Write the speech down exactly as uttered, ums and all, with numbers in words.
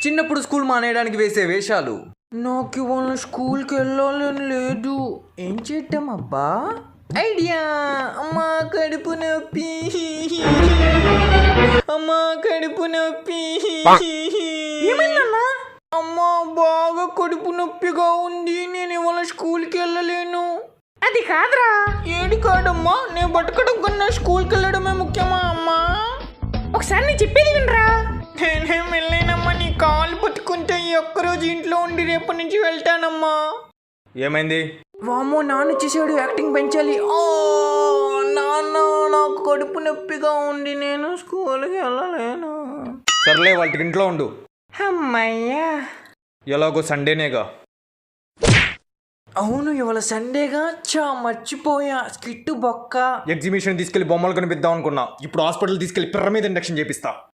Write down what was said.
చిన్నప్పుడు స్కూల్ మానేయడానికి వేసే వేషాలు. నాకు ఇవాళ స్కూల్కి వెళ్ళాలని లేదు, ఏం చేద్దాం అబ్బా? ఐడియా! అమ్మా కడుపు నొప్పి, అమ్మా కడుపు నొప్పి. ఏమైందన్నా? అమ్మా బాగా కడుపు నొప్పిగా ఉంది, నేను ఇవాళ స్కూల్కి వెళ్ళలేను. అది కాదురా. ఏది కాదమ్మా, నేను బతకడం కన్నా స్కూల్కి వెళ్ళడమే ముఖ్యమా అమ్మా? ఒకసారి నేను చెప్పేది వినరా. నేనేం వెళ్ళలేనమ్మా, నీ కాలు పట్టుకుంటే ఈ ఒక్కరోజు ఇంట్లో ఉండి రేపటి నుంచి వెళ్తానమ్మా. ఏమైంది? వామ్మో, నాన్న చేసాడు, యాక్టింగ్ పెంచాలి. నాన్న నాకు కడుపు నొప్పిగా ఉంది, నేను స్కూల్కి వెళ్ళలేను. సర్లే, వాళ్ళకి ఇంట్లో ఉండు. అమ్మయ్యా, ఎలాగో సండేనేగా. అవును, ఇవాళ సండేగా. చా మర్చిపోయా, స్కిట్ బొక్క. ఎగ్జిబిషన్ తీసుకెళ్లి బొమ్మలు కనిపిద్దాం అనుకున్నా, ఇప్పుడు హాస్పిటల్ తీసుకెళ్లి పిర్ర మీద ఇండక్షన్ చేపిస్తా.